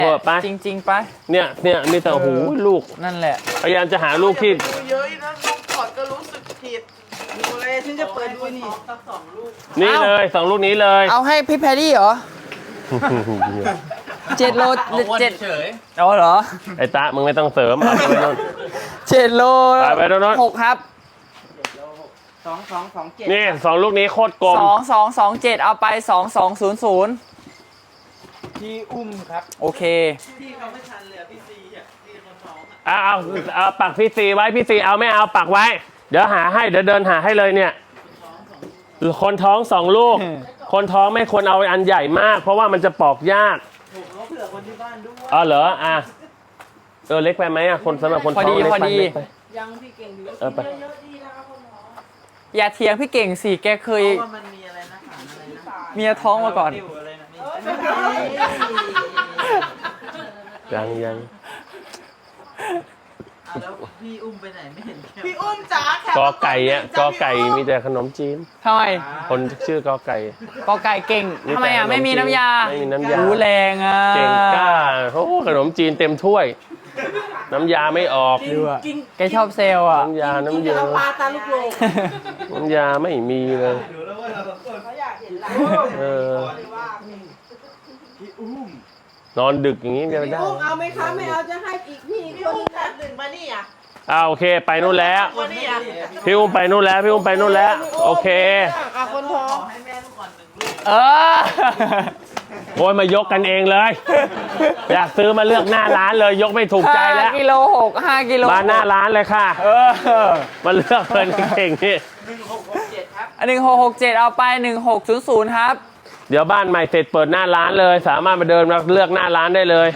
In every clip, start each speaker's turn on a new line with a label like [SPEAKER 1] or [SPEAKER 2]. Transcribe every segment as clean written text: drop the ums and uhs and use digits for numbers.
[SPEAKER 1] ไป
[SPEAKER 2] จริงๆไป
[SPEAKER 1] เนี่ยมีแต่หูลูก
[SPEAKER 2] นั่นแหละ
[SPEAKER 1] พยายามจะหาลูกที่
[SPEAKER 3] เยอะนะลูกถอดก็รู้สึกผิดดูเลยฉันจะเปิดดูนี่สัก2 ลูก
[SPEAKER 1] นี่เลย2 ลูกนี้เลย
[SPEAKER 2] เอาให้พี่แพรรี่เหรอ7 โล7เฉยเอาเหรอ
[SPEAKER 1] ไอ้ตามึงไม่ต้องเสริมเอาไปโน่น
[SPEAKER 2] 7 โล
[SPEAKER 1] ไปโน่น
[SPEAKER 2] 6ครับ
[SPEAKER 3] 2227
[SPEAKER 1] นี่2 ลูกนี้โคตรกลม
[SPEAKER 2] 2227เอาไป2200
[SPEAKER 3] พี่อุ้มครับ
[SPEAKER 2] โอเค
[SPEAKER 3] พี่เขาไม่ทันเลยพี่ซีอ่ะพี่คนท้อง
[SPEAKER 1] เอาปักพี่ซีไว้พี่ซีเอาไม่เอาปักไว้เดี๋ยวหาให้เดี๋ยวเดินหาให้เลยเนี่ยคนท้อง2 ลูกคนท้องไม่ควรเอาอันใหญ่มากเพราะว่ามันจะปอกยาก
[SPEAKER 3] ผมเขาเผื่อคนที่บ้านด้วย
[SPEAKER 1] เหรอเล็กไปไหมคนสำหรับคนท้อง
[SPEAKER 2] พอดี
[SPEAKER 3] ยังพี่เก่งดี
[SPEAKER 1] ไป
[SPEAKER 3] เยอะดีนะครับคนท้อง
[SPEAKER 2] อย่าเถียงพี่เก่งสิแกเคย
[SPEAKER 3] ว่ามันมีอะไรนะ
[SPEAKER 2] เมียท้องมาก่อน
[SPEAKER 1] ยัง
[SPEAKER 3] แล้วพี่อุ้มไปไหนไม่เห็นพี่อุ้มจ๋าก
[SPEAKER 1] อไก่กอไก่มีแต่ขนมจีน
[SPEAKER 2] ทำไม
[SPEAKER 1] คนชื่อกอไก่
[SPEAKER 2] เก่งทำไมไม่มีน้ำยา
[SPEAKER 1] ไม่มีน้ำยา
[SPEAKER 2] แรง
[SPEAKER 1] เก่งกล้าขนมจีนเต็มถ้วยน้ำยาไม่ออก
[SPEAKER 2] แกชอบเซล
[SPEAKER 1] น้ำยาน้ำเยอะ
[SPEAKER 3] ปลาตาลูกโลก
[SPEAKER 1] น้ำยาไม่มีเลย
[SPEAKER 3] เขาอยากเห็นเราพี่อุ้ม
[SPEAKER 1] นอนดึกอย่างนี้จะได้
[SPEAKER 3] พี่อุ้มเอาไหมคะไม่เอาจะให้อีกพี่อุ้มนัด1มานี่
[SPEAKER 1] โอเคไปนู่นแล้วพี่อุ้มไปนู่นแล้วโอเค
[SPEAKER 3] คนท้องให้แม่ลูกก่อน1 ลูก
[SPEAKER 1] โอ้ยมายกกันเองเลยอยากซื้อมาเลือกหน้าร้านเลยยกไม่ถูกใจแล้ว
[SPEAKER 2] 5 กิโล6 5 กิโล
[SPEAKER 1] มาหน้าร้านเลยค่ะมาเลือกเลยเก่งนี่
[SPEAKER 3] 1667ครับ
[SPEAKER 2] 1667เอาไป1600ครับ
[SPEAKER 1] เดี๋ยวบ้านใหม่เสร็จเปิดหน้าร้านเลยสามารถมาเดินมาเลือกหน้าร้านได้เลย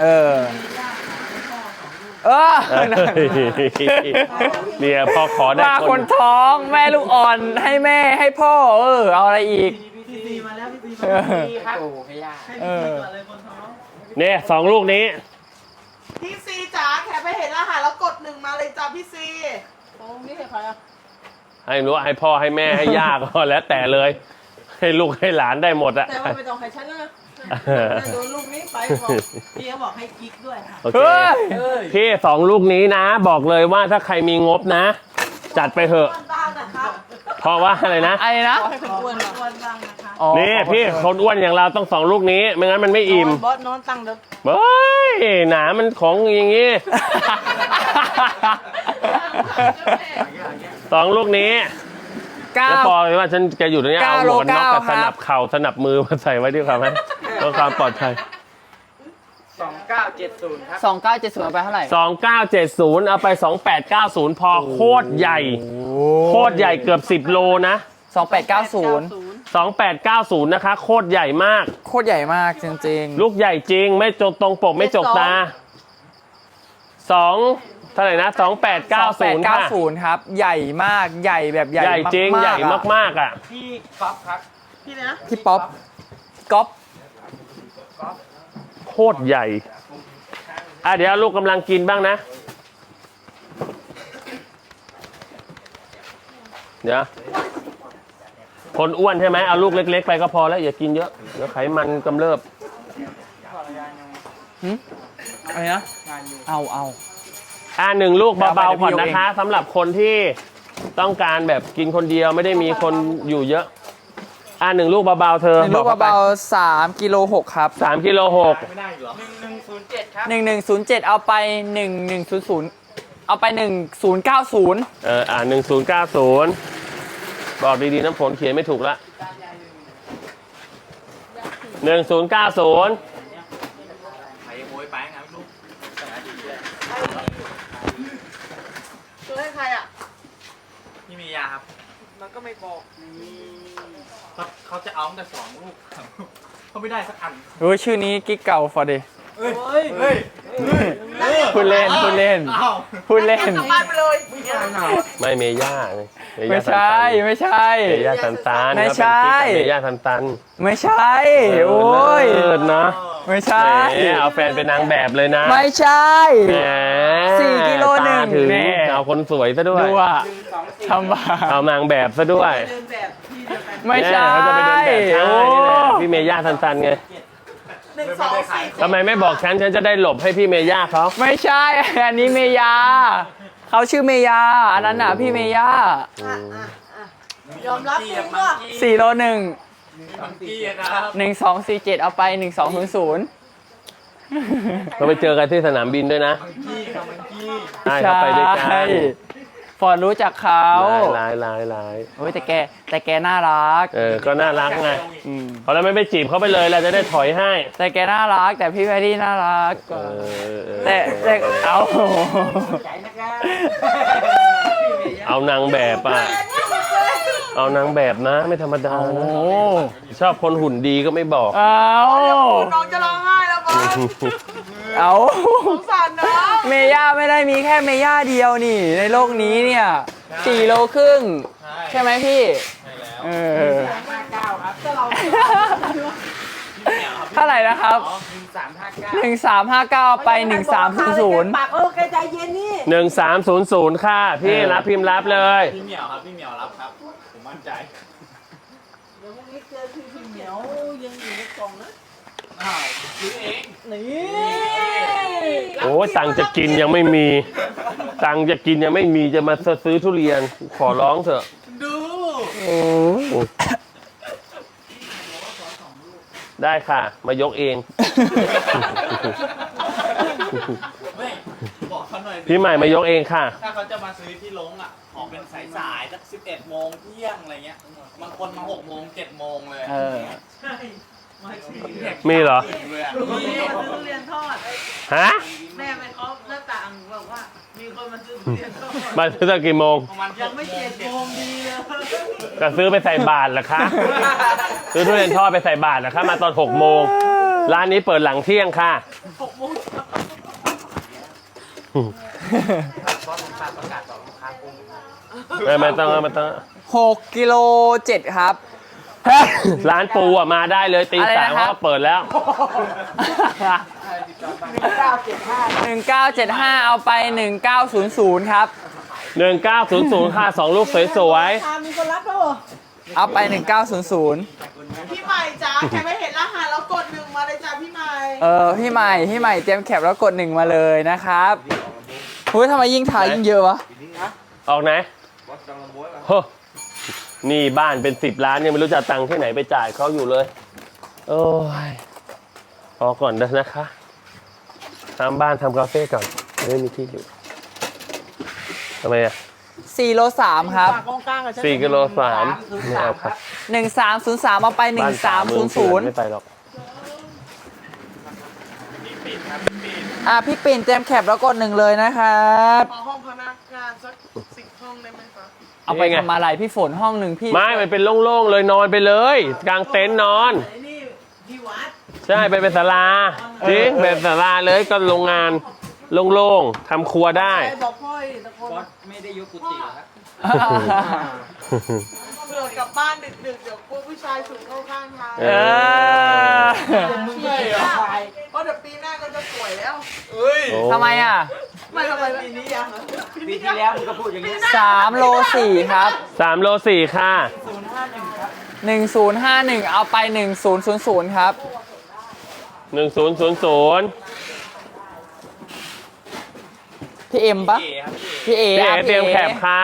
[SPEAKER 1] เนี่ยพอขอได้
[SPEAKER 2] คนท้องแม่ลูกอ่อนให้แม่ให้พ่อเอาอะไรอีก
[SPEAKER 3] พี่ซีมาแล้วพี่ซีมาครับโอ้ไม่ยากให้พี่ซีก่อนเลยคนท้อง
[SPEAKER 1] เนี่ย2 ลูกนี้
[SPEAKER 3] พี่ซีจ๋าแค่ไปเห็นอาหารแล้วกด1มาเลยจ้าพี่ซีโอ้นี่ใครอ่ะ
[SPEAKER 1] ให้รู้ให้พ่อให้แม่ให้ย่าก็แล้วแต่เลยให้ลูกให้หลานได้หมดอะ
[SPEAKER 3] แต่ว่าไม่ต้องให้ฉันนะโดนลูกนี้ไปบอกพี่เขาบอกให้กิ๊กด้วยค่ะ
[SPEAKER 1] โอเคพี่2 ลูกนี้นะบอกเลยว่าถ้าใครมีงบนะจัดไปเถอะเพราะว่าอะไรนะ
[SPEAKER 3] ให้คนอ้วนบ้างนะคะ
[SPEAKER 1] นี่พี่คนอ้วนอย่างเราต้อง2 ลูกนี้ไม่งั้นมันไม่อิ่ม
[SPEAKER 3] บอสนอนตั้งเด้อ
[SPEAKER 1] เฮ้ยหนามันของอย่างงี้2 ลูกนี้แล้วพอว่าฉันจะอยู่ตรงนี้เอาหมอนน็อกกับสนับเข่าสนับมือมาใส่ไว้ดีกว่าไหมเพื่อความปลอดภัย
[SPEAKER 3] 2970ครับ
[SPEAKER 2] 2970เอาไปเท่าไหร่
[SPEAKER 1] 2970เอาไป2890พอโคตรใหญ่เกือบ10 โลนะ
[SPEAKER 2] 2890
[SPEAKER 1] นะคะโคตรใหญ่มาก
[SPEAKER 2] จริง
[SPEAKER 1] ๆลูกใหญ่จริงไม่จกตรงปกไม่จกตาเท่าไหร่นะ2890
[SPEAKER 2] ครับใหญ่มากใหญ่แบบใหญ่
[SPEAKER 1] จริงใหญ่มากอ่ะ
[SPEAKER 3] พี่ป๊อปครับพี่นะ
[SPEAKER 2] พี่ป๊อปก๊อป
[SPEAKER 1] โคตรใหญ่เดี๋ยวลูกกำลังกินบ้างนะเดี๋ยวคนอ้วนใช่ไหมเอาลูกเล็กๆไปก็พอแล้วอย่ากินเยอะเดี๋ยวไขมันกำเริบ
[SPEAKER 2] อะไรนะเอา
[SPEAKER 1] 1 ลูกเบาๆก่อนนะคะสำหรับคนที่ต้องการแบบกินคนเดียวไม่ได้มีคนอยู่เยอะ1 ลูกเบาๆเธอ
[SPEAKER 2] 1 ลูกเบาๆ3 กิโล 6ครับ
[SPEAKER 1] 3 กิโล 6
[SPEAKER 3] ไม่ได้หรอ1107ครับ
[SPEAKER 2] 1107เอาไป1100เอาไป1090
[SPEAKER 1] 1090บอกดีๆน้ำฝนเขียนไม่ถูกละ1090
[SPEAKER 3] ตัวให้ใครอ่ะ
[SPEAKER 4] พี่มียาครับ
[SPEAKER 3] มันก็ไม่บอก
[SPEAKER 4] เขาจะเอาแต่2 ลูกเขาไม่ได้สักอัน
[SPEAKER 2] ชื่อนี้กิ๊กเก่าฟอร์ดพูดเล่น
[SPEAKER 1] ไม่เมย่า
[SPEAKER 2] ไม่ใช่
[SPEAKER 1] เมย่าตัน
[SPEAKER 2] ไม่ใช่
[SPEAKER 1] เมย่าตัน
[SPEAKER 2] ไม่ใช่โอ้ย
[SPEAKER 1] เนาะ
[SPEAKER 2] ไม่ใช่
[SPEAKER 1] เอาแฟนเป็นนางแบบเลยนะ
[SPEAKER 2] ไม่ใช่
[SPEAKER 1] 4 กิโล 1เอาคนสวยซะด้วย
[SPEAKER 2] ดูอ่ะทำบ้า
[SPEAKER 1] เอานางแบบซะด้วย
[SPEAKER 2] ไม่ใช่
[SPEAKER 1] เขาจะไปเดินแบบพี่เมย่าตันไง
[SPEAKER 3] 1244
[SPEAKER 1] ทำไมไม่บอกฉันจะได้หลบให้พี่เมย่าเขา
[SPEAKER 2] ไม่ใช่ อันนี้เมยา เขาชื่อเมยา อันนั้นน่ะพี่เมยา
[SPEAKER 3] ยอมรับจริงว่า
[SPEAKER 2] 4 โล 1
[SPEAKER 4] มังกี้ครับ
[SPEAKER 2] 1247 เอาไป 1200
[SPEAKER 1] เราไปเจอกันที่สนามบินด้วยนะ
[SPEAKER 4] มังกี้ครับมังกี้
[SPEAKER 1] ใช่เขาไปด้วยกัน
[SPEAKER 2] ใช่ฟอร์ดรู้จักเขา
[SPEAKER 1] ลาย
[SPEAKER 2] โอ้ยแต่แกน่ารัก
[SPEAKER 1] ก็น่ารักไง
[SPEAKER 2] อืม
[SPEAKER 1] เขาแล้วไม่จีบเขาไปเลยเราจะได้ถอยให้
[SPEAKER 2] แต่แกน่ารัก แต่พี่แพรรี่น่ารัก แต่เอา
[SPEAKER 1] เอานางแบบอ่ะ เอานางแบบนะ ไม่ธรรมดา
[SPEAKER 2] โอ้
[SPEAKER 1] นะชอบคนหุ่นดีก็ไม่บอก
[SPEAKER 2] เอา
[SPEAKER 3] น้องจะร้องไห้แล้วบอส
[SPEAKER 2] เอา
[SPEAKER 3] สงสารน้อง
[SPEAKER 2] เมย่าไม่ได้มีแค่เมย่าเดียวนี่ ในโลกนี้เนี่ย4 โลครึ่ง ใช่ไหมพี่
[SPEAKER 4] ใช่แล้ว
[SPEAKER 2] เออเท่าไหร่นะครับ 1359 ไป 1300
[SPEAKER 3] ปากแกใจเย็นนี่
[SPEAKER 1] 1300ค่ะพี่รับพิมพ์รับเลย
[SPEAKER 4] พี่เหมียวครับพี่เหมียวรับครับ ผมมั่นใจ
[SPEAKER 3] เดี๋ยวพรุ่งนี้เจอพี่เหมียวยังอยู่ในกล่องนะ
[SPEAKER 4] อ้าวซื้อเอง
[SPEAKER 3] นี่
[SPEAKER 1] โอ้ยตังค์จะกินยังไม่มี ตังค์จะกินยังไม่มีจะมาซื้อทุเรียน ขอร้องเถอะ
[SPEAKER 4] ดู
[SPEAKER 1] ได้ค่ะ มายกเอง
[SPEAKER 4] ไม่บอกเขาหน่อยสิ
[SPEAKER 1] พี่ใหม่มายกเองค่ะ
[SPEAKER 4] ถ้าเขาจะมาซื้อที่ลงอ่ะออกเป็นสายๆสัก11 โมงเที่ยงอะไรเงี้ย บางคนมา6 โมง 7 โมงเลย
[SPEAKER 2] เออ
[SPEAKER 3] ใช่มาสิ
[SPEAKER 1] มีเหรอ
[SPEAKER 4] เลยอะ
[SPEAKER 3] มีคนมาซื้อทุเรียนทอด
[SPEAKER 1] ฮะ
[SPEAKER 3] แม่ไปเคาะหน้าต่างบอกว่า มีคนมาซื้อทุเรียนทอด
[SPEAKER 1] มาซื้อตอนกี่โมง
[SPEAKER 4] ประมาณ
[SPEAKER 3] ยังไม่7 โมงดีเลย
[SPEAKER 1] ก็ซื้อไปใส่บาทเหรอคะ ซื้อทุเรียนทอดไปใส่บาทเหรอคะ มาตอน6 โมง ร้านนี้เปิดหลังเที่ยงค่ะ
[SPEAKER 3] 6 โมงเช้า
[SPEAKER 1] ไม่ต้อง
[SPEAKER 2] 6 กิโล 7 ครับ
[SPEAKER 1] ร้านปูอ่ะมาได้เลยตี
[SPEAKER 2] อะไร
[SPEAKER 1] สาม
[SPEAKER 2] นะครับ
[SPEAKER 1] เขาก็เปิดแล้ว
[SPEAKER 2] 1975 เอาไป 1900 ครับ
[SPEAKER 1] 1900 ค่ะ2 ลูกสวย
[SPEAKER 3] มีคนรับแล้วเหรอ
[SPEAKER 2] เอาไป 1900
[SPEAKER 3] พี่ใหม่จ้าแค่ไม่เห็นรหัสแล้วกด1มาเลยจ้าพี่ใหม่
[SPEAKER 2] พี่ใหม่เตรียมแคปแล้วกด 1 มาเลยนะครับเฮ้ยทำไมยิ่งถ่ายยิ่งเยอะวะ
[SPEAKER 1] ๆ ออกไหนโหนี่บ้านเป็น10 ล้านยังไม่รู้จะเอาตังค์ที่ไหนไปจ่ายเขาอยู่เลย โอ้ยออกก่อนนะคะทำบ้านทำคาเฟ่ก่อนจะได้มีที่อยู่ทำไมอ่ะ
[SPEAKER 2] 4 โล 3 ครับ
[SPEAKER 3] ปากกลางๆกับฉัน
[SPEAKER 1] 4 กิโล 3ไม่เอาครับ
[SPEAKER 2] 1303 เอาไป
[SPEAKER 1] บ้าน30,000ไม่ไปหรอก
[SPEAKER 2] พี่ปิ่นเตรียมแคปแล้วกด 1 เลยนะครับ
[SPEAKER 3] ขอห้องพนักงานสัก10 ห้องได้ไหมคะ
[SPEAKER 2] เอาไปทำอะไรพี่ฝนห้องหนึ่งพี่
[SPEAKER 1] ไม่มันเป็นโล่งๆเลยนอนไปเลย กลางเต็นท์นอน
[SPEAKER 3] ไอ้นี่ที่วัด
[SPEAKER 1] ใช่ไปเป็นศาลาจริงเป็นศาลาเลยก็โรงงานโล่งๆทำครัวได้
[SPEAKER 3] ใครบอกพ่อยตะโกน
[SPEAKER 4] ไม่ได้ยกกุฏิครับ
[SPEAKER 3] เผื่อกลับบ้านดึกๆ เดี๋ยวกลัวผู้ชายสูงเข้าข้างทาง
[SPEAKER 1] เอ
[SPEAKER 3] มึงเลยเหรอเพราะเดี๋ยวปีหน้าก็จะสวยแล้ว
[SPEAKER 4] เฮ้ย
[SPEAKER 1] โอ้
[SPEAKER 2] ทำไมอ่ะ
[SPEAKER 3] ไม่ทำไมปีนี้ยัง
[SPEAKER 4] ปีที่แล้วมึงก็พูดอย่างนี้
[SPEAKER 2] 3 โล 4 ครับ
[SPEAKER 1] 3 โล 4 ค่ะ
[SPEAKER 2] 1051 เอาไป 1000 ครับ
[SPEAKER 1] 1000
[SPEAKER 2] พี่เอ็มปะ
[SPEAKER 4] เก๋ครับ
[SPEAKER 2] พี่เอ
[SPEAKER 1] พี่เอ๋
[SPEAKER 2] อ่ะ
[SPEAKER 1] เตรียมแคปค่ะ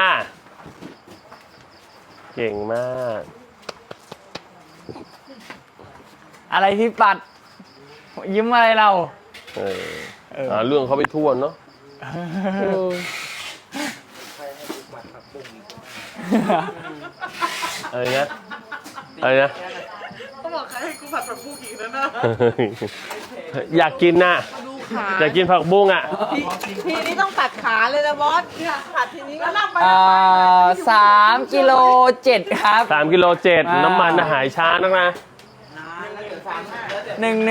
[SPEAKER 1] เก่งมาก
[SPEAKER 2] อะไรพี่ปัด ยิ้มอะไรเรา
[SPEAKER 1] หาเรื่องเขาไปทั่วเนาะอะไรนะอะไรนะ
[SPEAKER 3] เขาบอกใครให้กูผัดผักบุ้งอีกแล้วนะ
[SPEAKER 1] อยากกินน่ะ
[SPEAKER 3] ดูขา
[SPEAKER 1] อยากกินผักบุ้งอ่ะ
[SPEAKER 3] ทีนี้ต้องตัดขาเลยนะบอสเนี่ยผัดทีนี้ก็นั่งไป
[SPEAKER 2] 3 กิโล 7 ครับ
[SPEAKER 1] 3 กิโล 7 น้ำมันหายช้านักนะ
[SPEAKER 3] นานแล้วเดี๋ยว3 5
[SPEAKER 2] 1